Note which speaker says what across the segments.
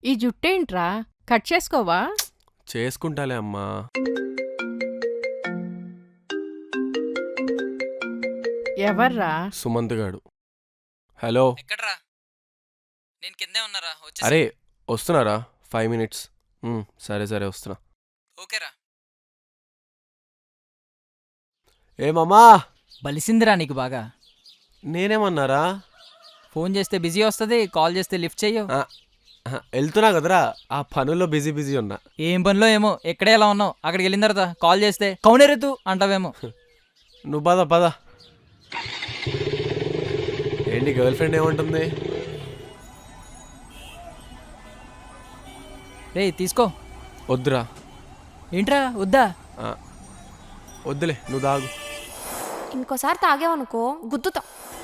Speaker 1: ఈ జుట్టేంట్రా కట్ చేసుకోవా?
Speaker 2: చేసుకుంటాలే అమ్మా.
Speaker 1: ఎవర్రా?
Speaker 2: సుమంత్ గాడు. హలో.
Speaker 3: ఎక్కడ్రా? నేను కిందే ఉన్నారా?
Speaker 2: అరే వస్తున్నారా? 5 minutes. సరే సరే వస్తున్నా.
Speaker 3: ఓకేరా.
Speaker 2: ఏమమ్మా
Speaker 3: బలిసిందిరా నీకు బాగా.
Speaker 2: నేనేమన్నారా?
Speaker 3: ఫోన్ చేస్తే బిజీ వస్తుంది, కాల్ చేస్తే లిఫ్ట్ చెయ్యవు.
Speaker 2: వెళ్తున్నా కదరా, ఆ పనుల్లో బిజీ ఉన్నా.
Speaker 3: ఏం పనిలో ఏమో, ఎక్కడే ఎలా ఉన్నావు? అక్కడికి వెళ్ళిన తర్వాత కాల్ చేస్తే కౌనేరెత్తు అంటావేమో.
Speaker 2: నువ్వు పద. ఏంటి గర్ల్ ఫ్రెండ్ ఏమంటుంది?
Speaker 3: రే తీసుకో.
Speaker 2: వద్దురా.
Speaker 3: ఏంట్రా వద్దా?
Speaker 2: వద్దులే, నువ్వు తాగు.
Speaker 4: ఇంకోసారి తాగేవనుకో గుద్దుతా.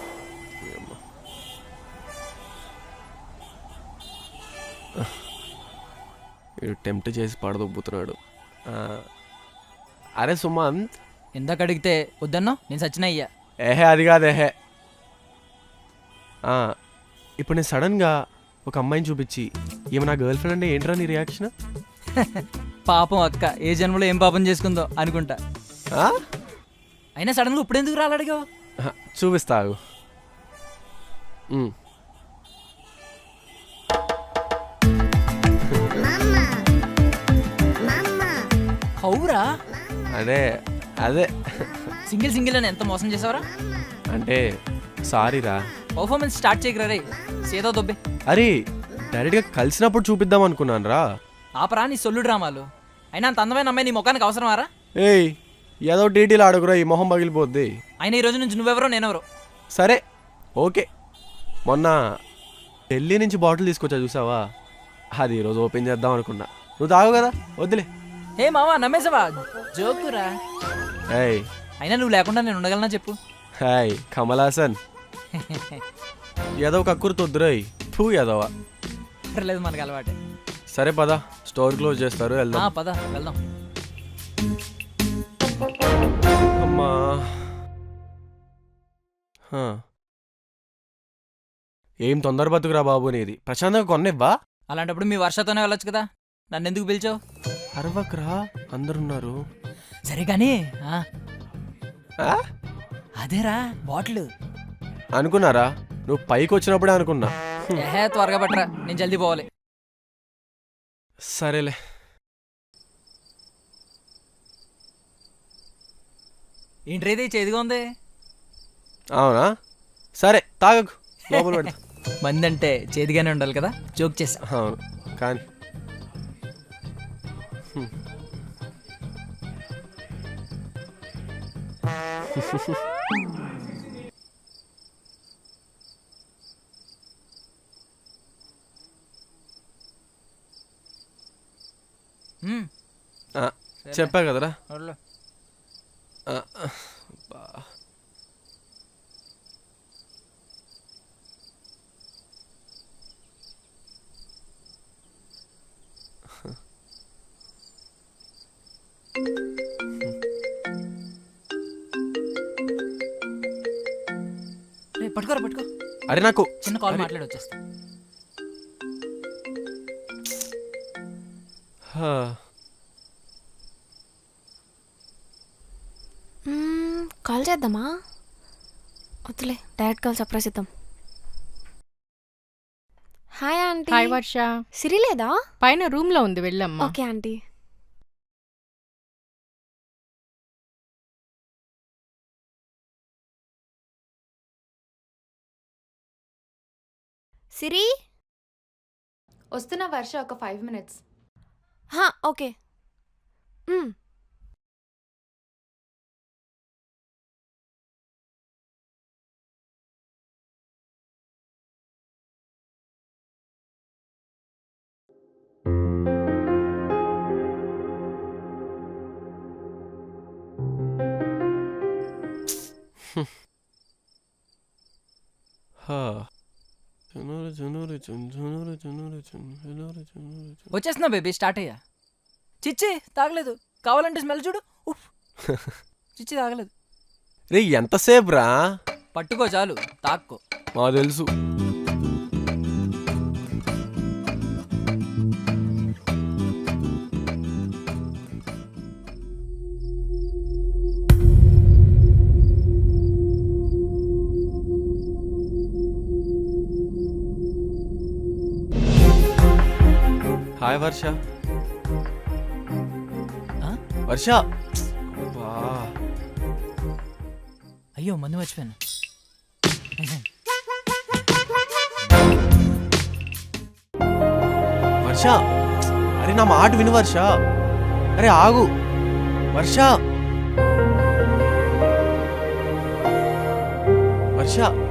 Speaker 2: వీడు టెంప్ట్ చేసి పడదొబ్బుతున్నాడు. అరే సుమంత్,
Speaker 3: ఇందాక అడిగితే వద్దన్నా, నేను సచిన అయ్యా.
Speaker 2: అది కాదేహే. ఇప్పుడు నేను సడన్గా ఒక అమ్మాయిని చూపించి ఏమో నా గర్ల్ ఫ్రెండ్ అంటే ఏంట్రా నీ రియాక్షన్?
Speaker 3: పాపం అక్క ఏ జన్మలో ఏం పాపం చేసుకుందో అనుకుంటా. అయినా సడన్గా ఇప్పుడు ఎందుకు రాలడిగావు?
Speaker 2: చూపిస్తావు.
Speaker 3: అవురా?
Speaker 2: అదే
Speaker 3: సింగిల్ అని ఎంత మోసం చేసావరా?
Speaker 2: అంటే సారీరా.
Speaker 3: పర్ఫార్మెన్స్ స్టార్ట్ చేయకరా రే, సేదో దొబ్బే.
Speaker 2: అరే డైరెక్ట్గా కలిసినప్పుడు చూపిద్దాం అనుకున్నాను రా.
Speaker 3: ఆపరా నీ సొల్లు డ్రామాలు. అయినా అంత అందమైన అమ్మాయి నీ ముఖానికి అవసరమారా?
Speaker 2: ఏయ్ ఏదో డీటెయిల్ ఆడుకురా, ఈ మొహం పగిలిపోద్ది.
Speaker 3: అయినా ఈ రోజు నుంచి నువ్వెవరో నేనెవరో.
Speaker 2: సరే ఓకే. మొన్న ఢిల్లీ నుంచి బాటిల్ తీసుకొచ్చా చూసావా, అది ఈరోజు ఓపెన్ చేద్దాం అనుకున్నా. నువ్వు తాగు కదా, వద్దులే.
Speaker 3: హే మావా నమ్మేసావా? జోకురా.
Speaker 2: ఏయ్
Speaker 3: అయినా నువ్వు లేకుండా నేను ఉండగలనా చెప్పు?
Speaker 2: హాయ్ కమల్ హాసన్. ఏదో కక్కురు తొద్దురాయి టూ ఏదోవా.
Speaker 3: లేదు మనకి అలవాటే.
Speaker 2: సరే పద, స్టోర్ క్లోజ్ చేస్తారు, వెళ్దాం.
Speaker 3: పద వెళ్దాం.
Speaker 2: అమ్మా ఏం తొందర బతుకురా బాబు నీది. ప్రశాంతంగా కొన్నివ్వా?
Speaker 3: అలాంటప్పుడు మీ వర్షతోనే వెళ్ళొచ్చు కదా, నన్ను ఎందుకు పిలిచావు?
Speaker 2: అరవకరా, అందరున్నారు.
Speaker 3: సరే కానీ అదేరా బాటిల్
Speaker 2: అనుకున్నారా? నువ్వు పైకి వచ్చినప్పుడే అనుకున్నా.
Speaker 3: త్వరగా పట్టరా, నేను జల్దీ పోవాలి.
Speaker 2: సరేలే.
Speaker 3: ఏంట్రేది చేదుగా ఉంది?
Speaker 2: అవునా, సరే తాగకు, లోపల పెడతా.
Speaker 3: మంది అంటే చేదుగానే ఉండాలి కదా, జోక్ చేసా.
Speaker 2: అవును కానీ చెప్పా కదరా.
Speaker 3: పట్టుకోరా పట్టుకో.
Speaker 2: అరే నాకు
Speaker 3: చిన్న కాల్ మాట్లాడి వచ్చేస్తా.
Speaker 4: కాల్ చేద్దామా? వద్దులే, డైరెక్ట్ కాల్ సర్ప్రైజ్ ఇద్దాం. Hi aunty.
Speaker 1: Hi Varsha.
Speaker 4: Siri లేదా?
Speaker 1: పైన రూమ్ లో ఉంది, వెళ్ళమ్మా.
Speaker 4: Okay aunty. సిరి
Speaker 5: వస్తున్నా వర్ష, ఒక 5 minutes.
Speaker 4: ఓకే.
Speaker 3: వచ్చేస్తున్నా బేబీ, స్టార్ట్ అయ్యా. చిచ్చి తాగలేదు, కావాలంటే స్మెల్ చూడు. చిచ్చి తాగలేదు.
Speaker 2: రే ఎంతసేపు రా?
Speaker 3: పట్టుకో చాలు, తాక్కో.
Speaker 2: మా తెలుసు. హాయ్ వర్ష.
Speaker 3: ఆ?
Speaker 2: వర్ష. అబ్బా.
Speaker 3: అయ్యో మందు మర్చిపోయాను.
Speaker 2: వర్ష, అరే నా మాట విను వర్ష. అరే ఆగు వర్ష. వర్ష